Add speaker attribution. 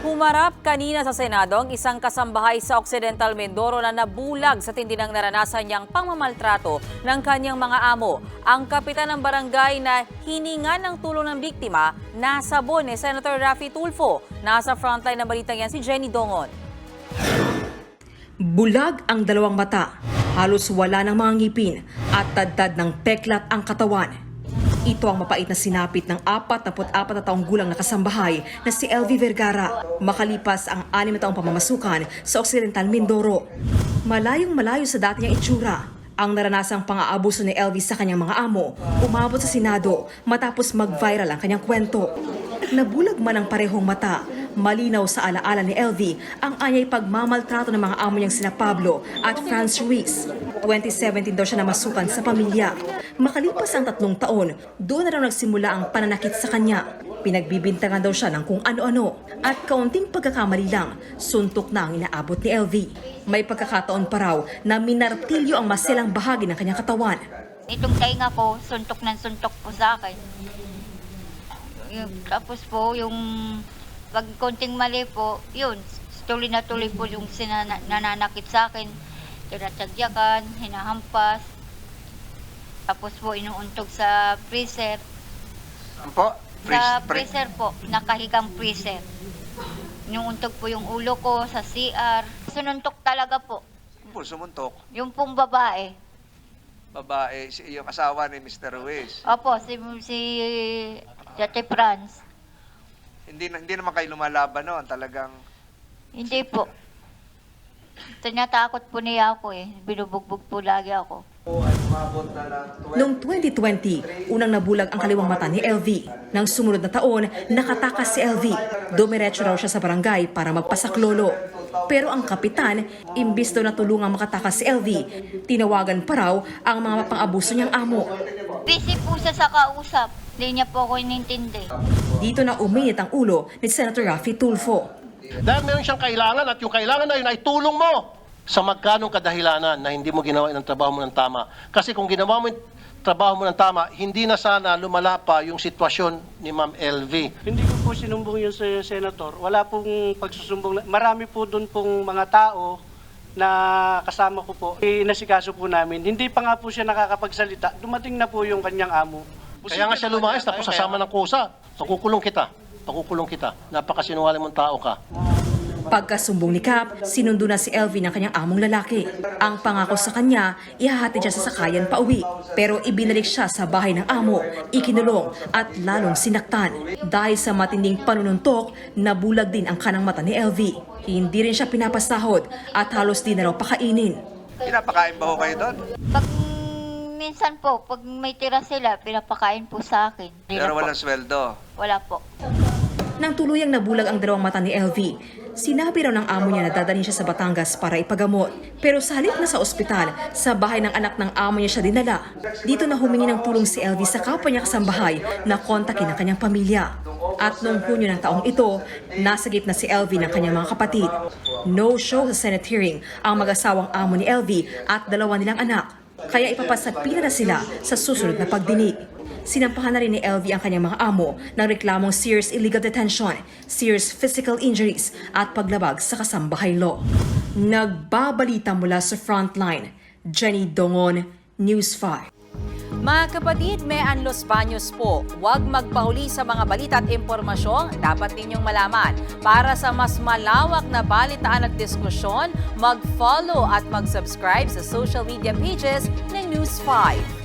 Speaker 1: Humarap kanina sa Senado ang isang kasambahay sa Occidental Mindoro na nabulag sa tindi ng naranasan niyang pangmamaltrato ng kanyang mga amo. Ang kapitan ng barangay na hininga ng tulong ng biktima, nasabon ni Senator Raffy Tulfo. Nasa frontline ng balitang yan si Jenny Dongon.
Speaker 2: Bulag ang dalawang mata, halos wala ng mga ngipin at tadtad ng peklat ang katawan. Ito ang mapait na sinapit ng 44 na taong gulang na kasambahay na si LV Vergara makalipas ang 6 na taong pamamasukan sa Occidental Mindoro. Malayong-malayo sa dati niyang itsura, ang naranasang pang-aabuso ni LV sa kanyang mga amo umabot sa Senado matapos mag-viral ang kanyang kwento. Nabulag man ang parehong mata, malinaw sa alaala ni LV ang anyay pagmamaltrato ng mga amo niyang sina Pablo at Franz Ruiz. 2017 daw siya namasukan sa pamilya. Makalipas ang 3 taon, doon na raw nagsimula ang pananakit sa kanya. Pinagbibintangan daw siya ng kung ano-ano at kaunting pagkakamali lang, suntok na ang inaabot ni LV. May pagkakataon pa raw na minartilyo ang maselang bahagi ng kanyang katawan.
Speaker 3: Itong tainga ko, suntok ng suntok po sa akin. Tapos po, yung pag konting mali po, yun, tuloy na tuloy po yung nananakit sa akin. Tinatagyakan, hinahampas. Tapos po, inuuntog sa freezer.
Speaker 4: Po?
Speaker 3: Sa freezer po, nakahigang freezer. Inuuntog po yung ulo ko sa CR. Sununtok talaga po.
Speaker 4: Po, sumuntok.
Speaker 3: Yung pong babae.
Speaker 4: Babae, yung asawa ni Mr. Ruiz.
Speaker 3: Opo, si Dati Franz.
Speaker 4: Hindi naman kayo lumalaban noon, talagang...
Speaker 3: Hindi po. Tinatakot po niya ako eh. Binubugbog po lagi ako.
Speaker 2: Noong 2020, unang nabulag ang kaliwang mata ni LV. Nang sumunod na taon, nakatakas si LV. Dumiretso raw siya sa barangay para magpasaklolo. Pero ang kapitan, imbis daw na tulungang makatakas si LV, tinawagan pa raw ang mga pang-abuso niyang amo.
Speaker 3: Busy po siya sa kausap. Hindi niya po ako inintindi.
Speaker 2: Dito na uminit ang ulo ni Senator Raffy Tulfo.
Speaker 5: Dahil meron siyang kailangan at yung kailangan na yun ay tulong mo sa magkanong kadahilanan na hindi mo ginawa ng trabaho mo ng tama. Kasi kung ginawa mo yung trabaho mo ng tama, hindi na sana lumala pa yung sitwasyon ni Ma'am LV.
Speaker 6: Hindi ko po sinumbong yun sa Senator. Wala pong pagsusumbong. Marami po doon pong mga tao na kasama ko po. Inasikaso po namin. Hindi pa nga po siya nakakapagsalita. Dumating na po yung kanyang amo.
Speaker 5: Kaya nga siya lumayas tapos sasama ng kusa. Pakukulong kita. Pakukulong kita. Napakasinungaling mong tao ka.
Speaker 2: Pagkasumbong ni Cap, sinundo na si LV ng kanyang among lalaki. Ang pangako sa kanya, ihahatid siya sa sakayan pauwi. Pero ibinalik siya sa bahay ng amo, ikinulong at lalong sinaktan. Dahil sa matinding panununtok, nabulag din ang kanang mata ni LV. Hindi rin siya pinapasahod at halos di na raw pakainin.
Speaker 4: Pinapakain ba ho kayo doon?
Speaker 3: Pag minsan po, pag may tira sila, pinapakain po sa akin.
Speaker 4: Pero walang sweldo.
Speaker 3: Wala po.
Speaker 2: Nang tuluyang nabulag ang dalawang mata ni LV, sinabi raw ng amo niya na dadalhin siya sa Batangas para ipagamot. Pero sa halip na sa ospital, sa bahay ng anak ng amo niya siya dinala. Dito na humingi ng tulong si LV sa kapwa niya kasambahay na kontakin ang kanyang pamilya. At noong Hunyo ng taong ito, nasagip na si LV ng kanyang mga kapatid. No show sa Senate hearing ang mag-asawang amo ni LV at dalawa nilang anak. Kaya ipapasapina na sila sa susunod na pagdinig. Sinampahan na rin ni LV ang kanyang mga amo ng reklamong serious illegal detention, serious physical injuries at paglabag sa kasambahay law. Nagbabalita mula sa Frontline, Jenny Dongon, News 5.
Speaker 1: Mga kapatid, may Los Baños po. Huwag magpahuli sa mga balita at impormasyong dapat ninyong malaman. Para sa mas malawak na balitaan at diskusyon, mag-follow at mag-subscribe sa social media pages ng News 5.